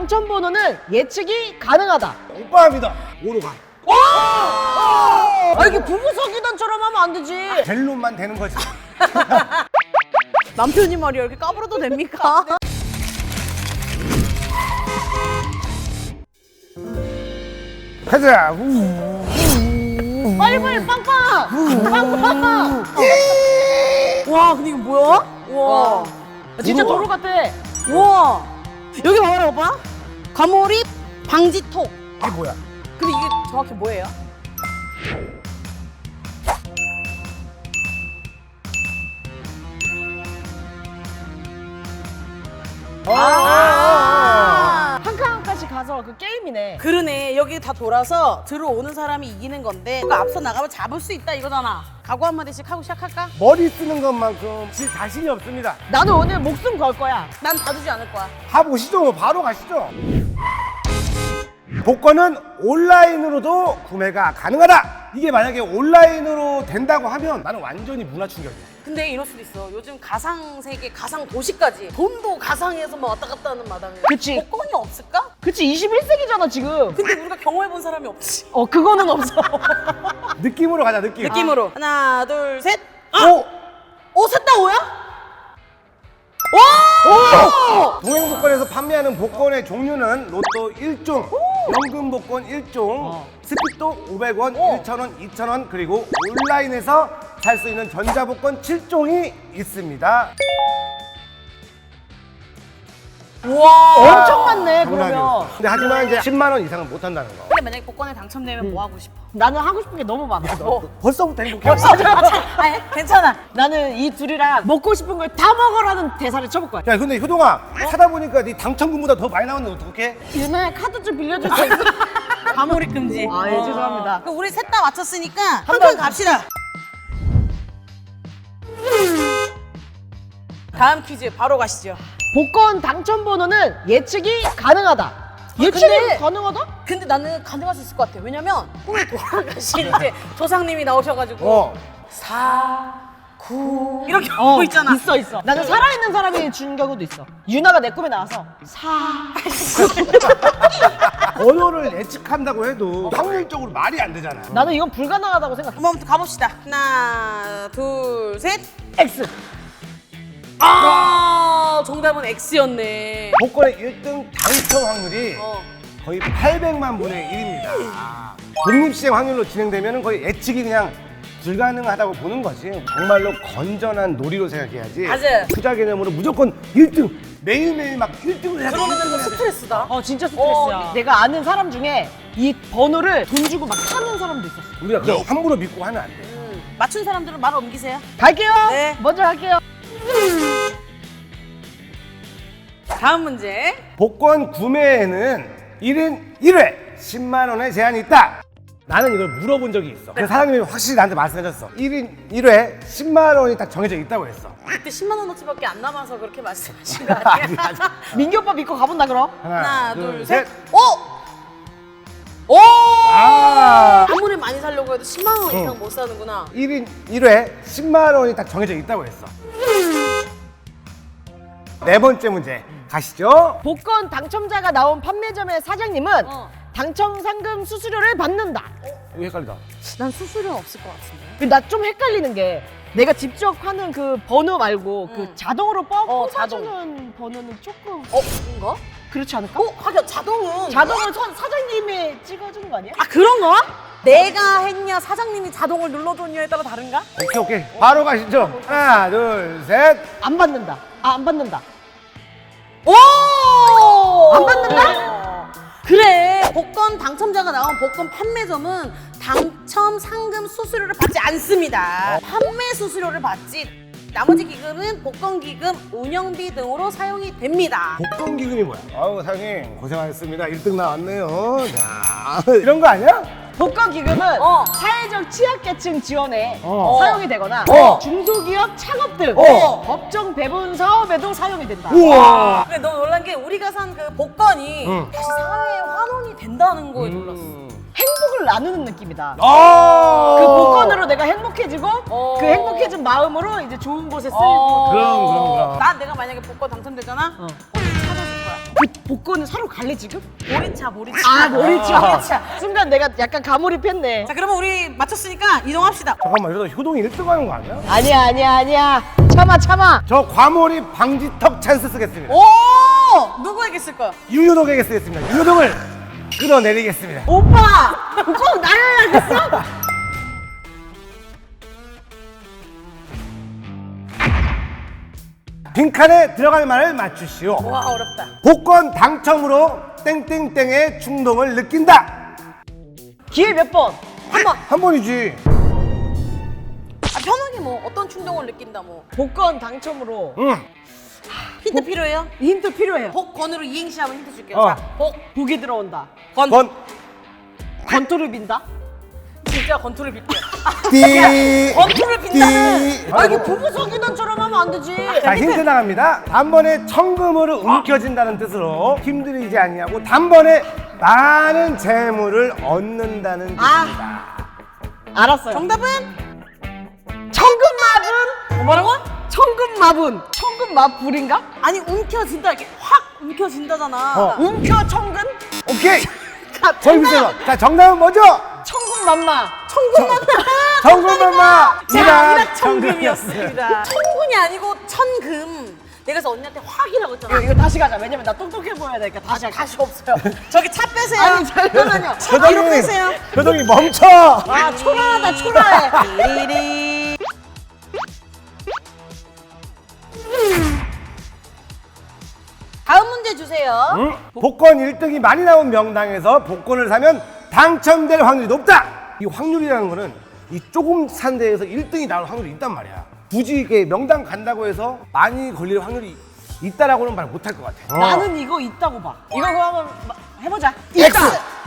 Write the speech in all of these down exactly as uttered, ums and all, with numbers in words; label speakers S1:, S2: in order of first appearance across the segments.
S1: 당첨 번호는 예측이 가능하다.
S2: 오빠입니다. 오로 가.
S1: 아, 이게 부부 사귀단처럼 하면 안 되지.
S2: 젤론만 되는 거지.
S3: 남편이 말이야 이렇게 까불어도 됩니까?
S2: 가자. 우.
S1: 빨리 빨리 빵빵. 빵빵.
S3: 와 근데 이거 뭐야? 와.
S1: 진짜
S2: 우와.
S1: 도로 같아.
S3: 우와. 여기 봐봐라 오빠. 과몰입 방지톡.
S2: 이게 뭐야?
S3: 근데 이게 정확히 뭐예요?
S1: 아, 한 칸 한 칸씩 가서 그 게임이네.
S3: 그러네. 여기 다 돌아서 들어오는 사람이 이기는 건데 그거 앞서 나가면 잡을 수 있다 이거잖아. 각오 한마디씩 하고 시작할까?
S2: 머리 쓰는 것만큼 질 자신이 없습니다.
S1: 나는 오늘 목숨 걸 거야.
S3: 난 봐주지 않을 거야.
S2: 가보시죠. 바로 가시죠. 복권은 온라인으로도 구매가 가능하다. 이게 만약에 온라인으로 된다고 하면 나는 완전히 문화 충격이야.
S3: 근데 이럴 수도 있어. 요즘 가상 세계, 가상 도시까지 돈도 가상에서 막 왔다 갔다 하는 마당에
S1: 그치.
S3: 복권이 없을까?
S1: 그치, 이십일 세기잖아 지금.
S3: 근데 우리가 경험해 본 사람이 없지.
S1: 어, 그거는 없어.
S2: 느낌으로 가자, 느낌.
S3: 느낌으로 하나, 둘, 셋.
S2: 오!
S3: 오, 셋 다 오야?
S2: 오! 동행복권에서 판매하는 복권의 종류는 로또 일 종, 연금 복권 일 종,
S1: 어.
S2: 스피또 오백 원,
S3: 오.
S2: 천 원, 이천 원, 그리고 온라인에서 살 수 있는 전자복권 칠 종이 있습니다.
S3: 우와.
S1: 엄청 많네 그러면.
S2: 장난이에요. 근데 하지만 이제 십만 원 이상은 못 한다는 거.
S3: 근데 만약에 복권에 당첨되면 뭐 하고 싶어?
S1: 나는 하고 싶은 게 너무 많아.
S2: 벌써부터 행복해.
S3: 아니, 괜찮아.
S1: 나는 이 둘이랑 먹고 싶은 걸 다 먹으라는 대사를 쳐볼 거야.
S2: 야, 근데 효동아, 하다 보니까 네 당첨금보다 더 많이 나오는데 어떡해?
S1: 유나야, 카드 좀 빌려줄 수 있어?
S3: 과몰입 금지.
S1: 아, 예, 죄송합니다.
S3: 그럼 우리 셋 다 맞췄으니까 한
S1: 번
S3: 칸 갑시다. 다음 퀴즈 바로 가시죠.
S1: 복권 당첨 번호는 예측이 가능하다. 예측이
S3: 근데-
S1: 가능하다?
S3: 근데 나는 가능할 수 있을 것 같아. 왜냐면 꿈에 돌아가신 이제 조상님이 나오셔가지고
S2: 어.
S3: 사, 구 이렇게 하고 있잖아.
S1: 있어 있어. 나는 살아있는 사람이 준 경우도 있어. 유나가 내 꿈에 나와서 사.
S2: 번호를 예측한다고 해도 확률적으로 말이 안 되잖아.
S1: 나는 이건 불가능하다고 생각해.
S3: 한번부터 가봅시다. 하나, 둘, 셋.
S1: X.
S3: 아, 정답은 X였네.
S2: 복권의 일 등 당첨 확률이
S3: 어.
S2: 거의 팔백만 분의 일입니다. 독립시행 확률로 진행되면 거의 예측이 그냥 불가능하다고 보는 거지. 정말로 건전한 놀이로 생각해야지.
S3: 맞아요.
S2: 투자 개념으로 무조건 일 등 매일매일 막 일 등을 해야 돼.
S3: 그러면
S2: 일 등을
S3: 은
S2: 해야 돼.
S3: 스트레스다.
S1: 어, 진짜 스트레스야.
S3: 어,
S1: 내가 아는 사람 중에 이 번호를 돈 주고 막 사는 사람도 있었어.
S2: 우리가 그거 함부로 믿고 하면 안 돼.
S3: 음, 맞춘 사람들은 말 옮기세요.
S1: 갈게요.
S3: 네.
S1: 먼저 갈게요.
S3: 다음 문제.
S2: 복권 구매에는 일 인 일 회 십만 원의 제한이 있다. 나는 이걸 물어본 적이 있어. 그 사장님이 확실히 나한테 말씀해줬어. 일 인 일 회 십만 원이 딱 정해져 있다고 했어.
S3: 그때 십만 원어치밖에 안 남아서 그렇게 말씀하신 거 아니에요?
S1: 민규 오빠 믿고 가본다 그럼.
S3: 하나, 둘, 셋. 오! 오!
S2: 아.
S3: 한 번에 많이 살려고 해도 십만 원 이상
S2: 어.
S3: 못 사는구나.
S2: 일 인 일 회 십만 원이 딱 정해져 있다고 했어. 네 번째 문제 가시죠.
S1: 복권 당첨자가 나온 판매점의 사장님은
S3: 어.
S1: 당첨 상금 수수료를 받는다.
S2: 이거 헷갈리다.
S3: 난 수수료는 없을 것 같은데.
S1: 나 좀 헷갈리는 게 내가 직접 하는 그 번호 말고 그
S3: 음.
S1: 자동으로
S3: 어,
S1: 뽑아주는 번호는 조금
S3: 어? 뭔가?
S1: 그렇지 않을까?
S3: 어? 하긴 자동은.
S1: 자동을 선- 사장님이 찍어주는 거 아니야?
S3: 아, 그런 거야? 내가 했냐, 사장님이 자동을 눌러줬냐에 따라 다른가?
S2: 오케이 오케이 바로 가시죠. 하나 둘 셋.
S1: 안 받는다. 아, 안 받는다.
S3: 오!
S1: 안 받는다?
S3: 그래. 복권 당첨자가 나온 복권 판매점은 당첨 상금 수수료를 받지 않습니다. 판매 수수료를 받지. 나머지 기금은 복권 기금, 운영비 등으로 사용이 됩니다.
S2: 복권 기금이 뭐야? 아우 사장님 고생하셨습니다. 일 등 나왔네요. 자 이런 거 아니야?
S1: 복권 기금은
S3: 어.
S1: 사회적 취약계층 지원에
S2: 어.
S1: 사용이 되거나
S2: 어.
S1: 중소기업 창업 등
S2: 어.
S1: 법정 배분 사업에도 사용이 된다.
S2: 우와.
S3: 근데 너 놀란 게 우리가 산 그 복권이
S2: 응.
S3: 다시 사회에 환원이 된다는 거에 놀랐어.
S1: 행복을 나누는 느낌이다.
S2: 아.
S1: 그 복권으로 내가 행복해지고
S3: 어.
S1: 그 행복해진 마음으로 이제 좋은 곳에 쓰이고.
S3: 어.
S2: 그럼, 그럼, 그럼.
S3: 난 내가 만약에 복권 당첨되잖아?
S1: 어.
S3: 어, 찾아줄 거야.
S1: 그 복권을 서로 갈래 지금?
S3: 모리차 모리차.
S1: 아 모리차.
S3: 모리차.
S1: 순간 내가 약간 가몰입했네.
S3: 자 그러면 우리 맞췄으니까 이동합시다.
S2: 잠깐만 이러다 효동이 일 등 하는 거 아니야?
S1: 아니야 아니야 아니야. 참아 참아.
S2: 저 과몰입 방지턱 찬스 쓰겠습니다.
S3: 오 누구에게 쓸까요?
S2: 유효동에게 쓰겠습니다. 유효동을 끌어내리겠습니다.
S1: 오빠 꼭 나를 알겠어?
S2: 빈칸에 들어갈 말을 맞추시오.
S3: 와 어렵다.
S2: 복권 당첨으로 땡땡땡의 충동을 느낀다.
S1: 기회 몇 번?
S3: 한 번.
S2: 한 번이지.
S3: 아, 편하게 뭐 어떤 충동을 느낀다 뭐.
S1: 복권 당첨으로
S2: 응.
S3: 힌트 필요해요?
S1: 힌트 필요해요.
S3: 복권으로 이행시 하면 힌트 줄게요.
S2: 어.
S3: 자, 복,
S1: 복이 들어온다.
S3: 건.
S2: 번.
S1: 건투를 빈다.
S3: 진짜 건투를 빌게요.
S2: 띠.
S3: 건투를 빈다는.
S2: 띠.
S1: 아 이게 부부 사귀단처럼 하면 안 되지.
S2: 자 힌트 나갑니다. 단번에 천금으로 움켜진다는 뜻으로 힘들이지 아니하고 단번에 많은 재물을 얻는다는 뜻입니다.
S1: 알았어요.
S3: 정답은
S1: 천금마분.
S3: 뭐라고?
S1: 천금마분. 천금마불인가?
S3: 아니 움켜진다 이렇게 확 움켜진다잖아.
S2: 어.
S1: 움켜 천금?
S2: 오케이.
S1: 가-
S2: 거의 비슷해서. 자 정답은 뭐죠?
S1: 천금만마.
S3: 천금만.
S2: 정금엄마
S3: 자,
S2: 일학
S3: 일학천금이었습니다. 천군이 아니고 천금. 내가 그래서 언니한테 확이라고 했잖아.
S1: 이거, 이거 다시 가자. 왜냐면 나 똑똑해 보여야 되니까 다시 할게.
S3: 다시 없어요. 저기 차 빼세요.
S1: 아니 잠깐만요.
S3: 차 뒤로 빼세요.
S2: 효동이 멈춰.
S1: 아 초라하다 초라해.
S3: 띠리리. 다음 문제 주세요.
S2: 응? 복권 일 등이 많이 나온 명당에서 복권을 사면 당첨될 확률이 높다. 이 확률이라는 거는 이 조금 산 데에서 일 등이 나올 확률이 있단 말이야. 굳이 이게 명당 간다고 해서 많이 걸릴 확률이 있다라고는 말 못할 것 같아.
S1: 나는 이거 있다고 봐. 이거 그럼 한번 마- 해보자.
S2: X.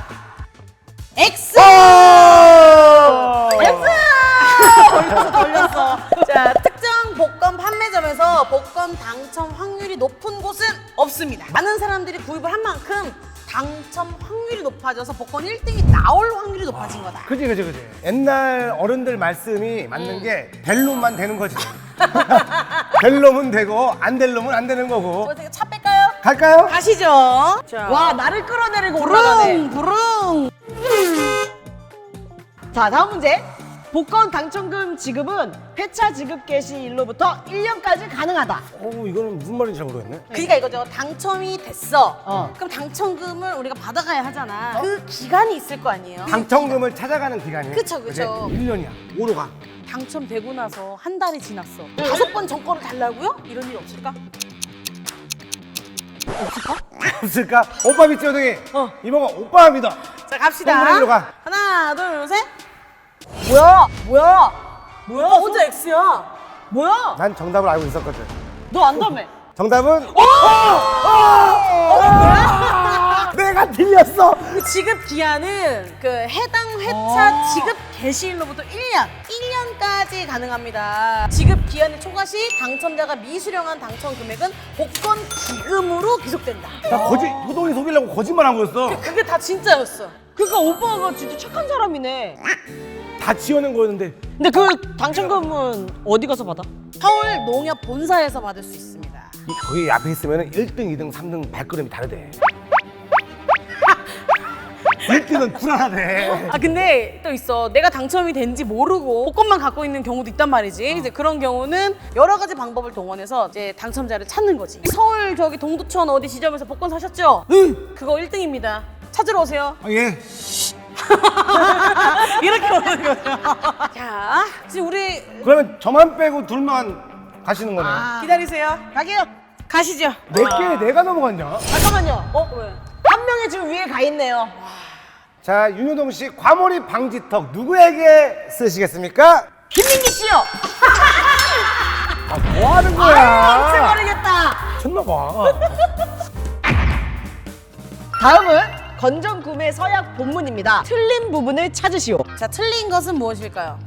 S3: X.
S2: 오!
S3: 돌렸어 돌렸어. 자 특정 복권 판매점에서 복권 당첨 확률이 높은 곳은 없습니다. 많은 사람들이 구입을 한 만큼 당첨 확률이 높아져서 복권 일 등이 나올 확률이 높아진 거다.
S2: 그지 그지 그지. 옛날 어른들 말씀이 맞는 게 될 놈만 되는 거지. 될 놈은 되고 안 될 놈은 안 되는 거고.
S3: 어떻게 차 뺄까요?
S2: 갈까요?
S3: 가시죠. 자,
S1: 와 나를 끌어내리고 올라가네.
S3: 부릉 부릉.
S1: 자 다음 문제. 복권 당첨금 지급은 회차 지급 개시일로부터 일 년까지 가능하다.
S2: 어 이거는 무슨 말인지 잘 모르겠네.
S3: 그러니까 이거죠. 당첨이 됐어.
S1: 어.
S3: 그럼 당첨금을 우리가 받아가야 하잖아. 그 기간이 있을 거 아니에요.
S2: 당첨금을 찾아가는 기간이.
S3: 그쵸, 그쵸.
S2: 일 년이야. 오로 가.
S3: 당첨되고 나서 한 달이 지났어. 다섯 번 정권을 달라고요? 이런 일 없을까?
S2: 없을까? 오빠 믿지 호동이?
S1: 어.
S2: 이모가 오빠 믿어.
S3: 자 갑시다.
S2: 동그라미로 가.
S3: 하나, 둘, 셋.
S1: 뭐야? 뭐야? 뭐야?
S3: 오빠 혼자 X야.
S1: 뭐야?
S2: 난 정답을 알고 있었거든.
S1: 너 안다며?
S2: 정답은
S3: 어, 뭐야?
S2: 내가 틀렸어.
S3: 그 지급 기한은 그 해당 회차 지급 개시일로부터 일 년, 일 년까지 가능합니다. 지급 기한의 초과 시 당첨자가 미수령한 당첨 금액은 복권 기금으로 기속된다.
S2: 나 거짓 효동이 속이려고 거짓말한 거였어.
S3: 그게 다 진짜였어.
S1: 그러니까 오빠가 진짜 착한 사람이네.
S2: 다 지어낸 거였는데.
S1: 근데 그 당첨금은 어디 가서 받아?
S3: 서울 농협 본사에서 받을 수 있습니다.
S2: 이- 거기 앞에 있으면 일 등, 이 등, 삼 등 발걸음이 다르대. 일 등은 불안하대.
S3: 아 근데 또 있어. 내가 당첨이 된지 모르고 복권만 갖고 있는 경우도 있단 말이지. 이제 그런 경우는 여러 가지 방법을 동원해서 이제 당첨자를 찾는 거지. 서울 저기 동두천 어디 지점에서 복권 사셨죠? 응. 그거 일 등입니다. 찾으러 오세요.
S2: 아, 예.
S3: 이렇게 오는 거죠. 자, 지금 우리
S2: 그러면 저만 빼고 둘만 가시는 거네.
S3: 기다리세요.
S1: 가게요.
S3: 가시죠.
S2: 내게 내가 넘어갔냐?
S1: 잠깐만요.
S3: 어 왜?
S1: 한 명이 지금 위에 가 있네요.
S2: 자, 윤효동 씨 과몰입 방지턱 누구에게 쓰시겠습니까?
S1: 김민기 씨요.
S2: 아, 뭐 하는
S1: 아,
S2: 거야?
S1: 미쳐버리겠다.
S2: 미쳤나 봐.
S1: 다음은 건전 구매 서약 본문입니다. 틀린 부분을 찾으시오.
S3: 자, 틀린 것은 무엇일까요?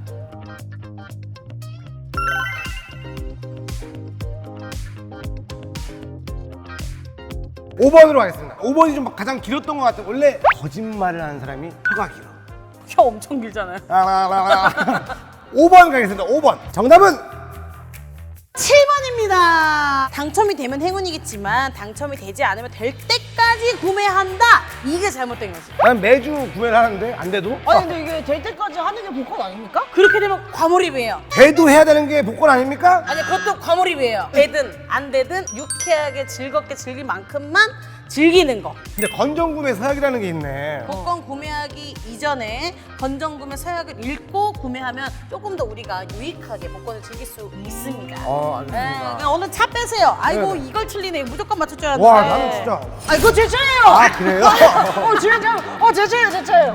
S2: 오 번으로 가겠습니다. 오 번이 좀 가장 길었던 것 같아요. 원래 거짓말을 하는 사람이 혀가 길어.
S3: 혀 엄청 길잖아요.
S2: 오 번 가겠습니다. 오 번. 정답은
S3: 칠 번입니다. 당첨이 되면 행운이겠지만 당첨이 되지 않으면 될 때까지 구매한다. 이게 잘못된 거지.
S2: 난 매주 구매를 하는데 안 돼도?
S1: 아니 근데 이게 될 때까지 하는 게 복권 아닙니까?
S3: 그렇게 되면 과몰입이에요.
S2: 돼도 해야 되는 게 복권 아닙니까?
S3: 아니 그것도 과몰입이에요. 되든 안 되든 유쾌하게 즐겁게 즐길 만큼만 즐기는 거.
S2: 근데 건전구매 서약이라는 게 있네.
S3: 복권 구매하기 이전에 건전구매 서약을 읽고 구매하면 조금 더 우리가 유익하게 복권을 즐길 수 있습니다.
S2: 어,
S3: 네,
S2: 알겠습니다.
S3: 그냥 오늘 차 빼세요. 아이고
S2: 네.
S3: 이걸 틀리네. 무조건 맞출 줄 알았는데.
S2: 와, 나는 진짜.
S1: 아 이거 제 차예요.
S2: 아, 그래요?
S1: 어, 제 차. 어, 제 차예요, 제 차예요.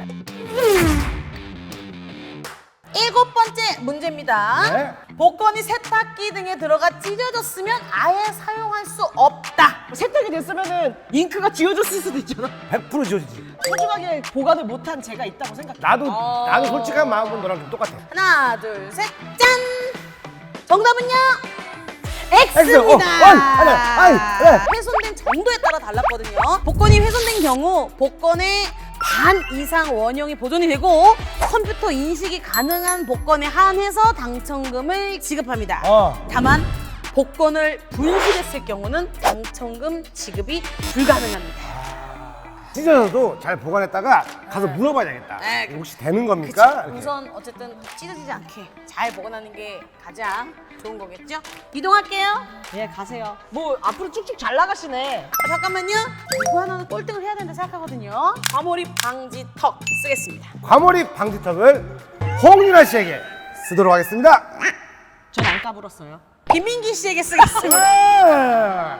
S3: 일곱 번째 문제입니다.
S2: 네.
S3: 복권이 세탁기 등에 들어가 찢어졌으면 아예 사용할 수 없다.
S1: 세탁이 됐으면은 잉크가 지워졌을 수도 있잖아.
S2: 백 퍼센트 지워지지.
S1: 소중하게 보관을 못한 제가 있다고 생각해.
S2: 나도,
S3: 어.
S2: 나도 솔직한 마음은 너랑 좀 똑같아.
S3: 하나, 둘, 셋, 짠! 정답은요?
S2: X입니다.
S3: X입니다.
S2: 어, 아니, 아니, 아니.
S3: 훼손된 정도에 따라 달랐거든요. 복권이 훼손된 경우 복권의 반 이상 원형이 보존이 되고 컴퓨터 인식이 가능한 복권에 한해서 당첨금을 지급합니다.
S2: 어.
S3: 다만 복권을 분실했을 경우는 당첨금 지급이 불가능합니다.
S2: 찢어져도 잘 보관했다가 가서 물어봐야겠다.
S3: 네.
S2: 혹시 되는 겁니까? 이렇게.
S3: 우선 어쨌든 찢어지지 않게 잘 보관하는 게 가장 좋은 거겠죠? 이동할게요.
S1: 예, 가세요. 뭐 앞으로 쭉쭉 잘 나가시네.
S3: 아, 잠깐만요. 이거 하나는 꼴등을 해야 된다 생각하거든요. 과몰입 방지 턱 쓰겠습니다.
S2: 과몰입 방지턱을 홍윤아 씨에게 쓰도록 하겠습니다.
S1: 전 안 까불었어요.
S3: 김민기 씨에게 쓰겠습니다.
S2: 네.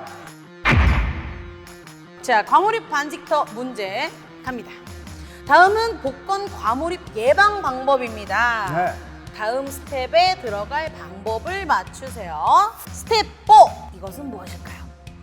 S3: 자, 과몰입 방지턱 문제 갑니다. 다음은 복권 과몰입 예방 방법입니다.
S2: 네.
S3: 다음 스텝에 들어갈 방법을 맞추세요. 스텝 사. 이것은 무엇일까요?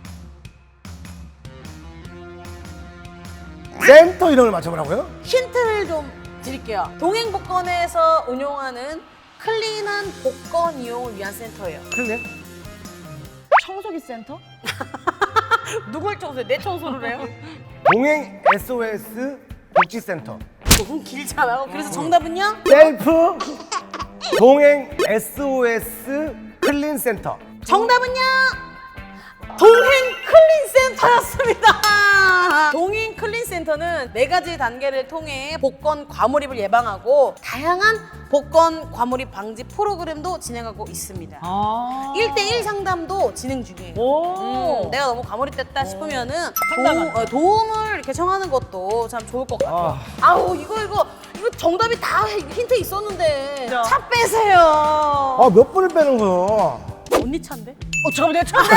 S2: 센터 이름을 맞춰보라고요?
S3: 힌트를 좀 드릴게요. 동행복권에서 운용하는 클린한 복권 이용을 위한 센터예요.
S2: 그러네.
S1: 청소기 센터?
S3: 누굴 청소해? 내 청소를 해요?
S2: 동행 에스오에스 복지센터.
S3: 너무 길잖아요. 그래서 정답은요?
S2: 셀프 동행 에스오에스 클린센터.
S3: 정답은요? 동행 클린센터였습니다. 동행 클린센터는 네 가지 단계를 통해 복권 과몰입을 예방하고 다양한 복권 과몰입 방지 프로그램도 진행하고 있습니다.
S1: 아.
S3: 일 대일 상담도 진행 중이에요.
S1: 오.
S3: 음, 내가 너무 과몰입됐다 싶으면은
S1: 상담을.
S3: 도움, 어, 도움을 이렇게 청하는 것도 참 좋을 것 같아요.
S2: 아.
S3: 아우 이거 이거 이거 정답이 다 힌트 있었는데
S1: 진짜.
S3: 차 빼세요.
S2: 아, 몇 번을 빼는 거야?
S3: 언니 차인데?
S1: 어, 잠깐만, 내가 쳤네.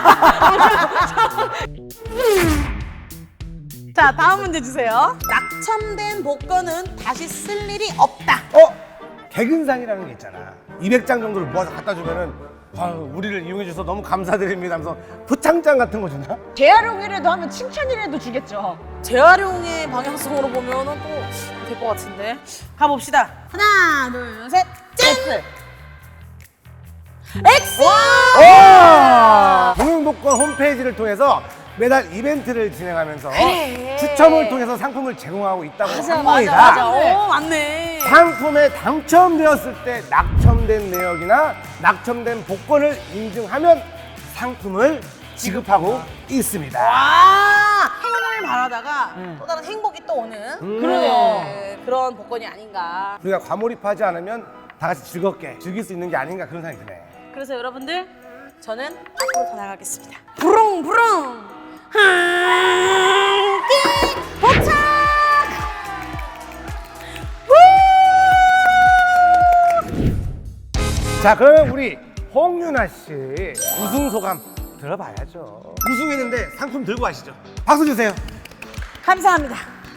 S3: 자 다음 문제 주세요. 낙첨된 복권은 다시 쓸 일이 없다.
S2: 어? 개근상이라는 게 있잖아. 이백 장 정도를 모아서 갖다 주면은 아유, 우리를 이용해 주셔서 너무 감사드립니다 하면서 표창장 같은 거 주나?
S1: 재활용이라도 하면 칭찬이라도 주겠죠.
S3: 재활용의 방향성으로 보면은 또 될 것 같은데 가봅시다. 하나 둘 셋 짠!
S1: X.
S3: X!
S2: 와! 동행복권 홈페이지를 통해서 매달 이벤트를 진행하면서
S3: 그래.
S2: 추첨을 통해서 상품을 제공하고 있다고
S3: 맞아
S2: 합니다.
S3: 맞아 맞아. 오 맞네.
S2: 상품에 당첨되었을 때 낙첨된 내역이나 낙첨된 복권을 인증하면 상품을 지급하고 있습니다.
S3: 와 행운을 바라다가
S1: 음.
S3: 또 다른 행복이 또 오는
S1: 그러네요.
S3: 네, 그런 복권이 아닌가.
S2: 우리가 과몰입하지 않으면 다 같이 즐겁게 즐길 수 있는 게 아닌가 그런 생각이 드네.
S3: 그래서 여러분들 저는 앞으로 더 나가겠습니다. 부릉부릉 함께 도착.
S2: 자, 그러면 우리 홍윤아 씨 우승 소감 들어봐야죠. 우승했는데 상품 들고 가시죠. 박수 주세요.
S3: 감사합니다.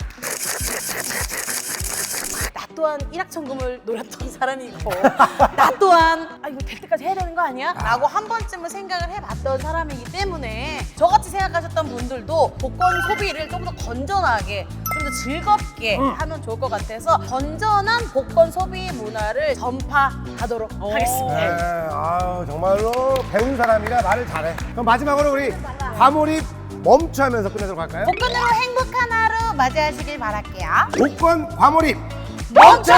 S3: 나 또한 일확천금을 노렸던 사람이고 나 또한 아 이거 될 때까지 해야 되는 거 아니야? 라고 한 번쯤은 생각을 해봤던 사람이기 때문에 저같이 생각하셨던 분들도 복권 소비를 좀 더 건전하게 좀 더 즐겁게 하면 좋을 것 같아서 건전한 복권 소비 문화를 전파하도록 하겠습니다.
S2: 네, 아유, 정말로 배운 사람이라 말을 잘해. 그럼 마지막으로 우리 과몰입 멈추하면서 끝내도록 할까요?
S3: 복권으로 행복한 하루 맞이하시길 바랄게요.
S2: 복권 과몰입
S3: 멈춰!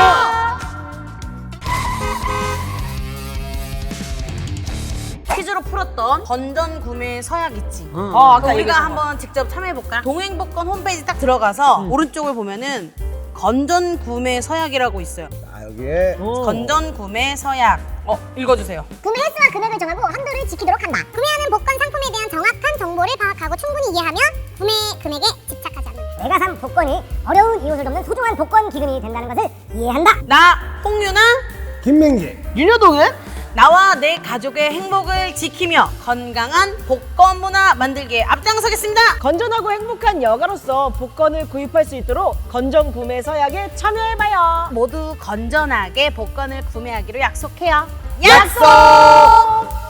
S3: 퀴즈로 풀었던 건전 구매 서약 있지.
S1: 어, 아까
S3: 우리가
S1: 얘기했던
S3: 한번 직접 참여해볼까? 동행복권 홈페이지 딱 들어가서 오른쪽을 보면은 건전 구매 서약이라고 있어요.
S2: 아, 여기에
S1: 거.
S3: 건전 구매 서약. 어, 읽어주세요.
S4: 구매 횟수와 금액을 정하고 한도를 지키도록 한다. 구매하는 복권 상품에 대한 정확한 정보를 파악하고 충분히 이해하며 구매 금액에 집착하지 않는다. 내가 산 복권이 어려운 이웃을 돕는 소중한 복권 기금이 된다는 것을 이해한다.
S3: 나 홍유나
S2: 김맹재.
S1: 윤여동은
S3: 나와 내 가족의 행복을 지키며 건강한 복권 문화 만들기에 앞장서겠습니다.
S1: 건전하고 행복한 여가로서 복권을 구입할 수 있도록 건전 구매 서약에 참여해봐요.
S3: 모두 건전하게 복권을 구매하기로 약속해요.
S1: 약속!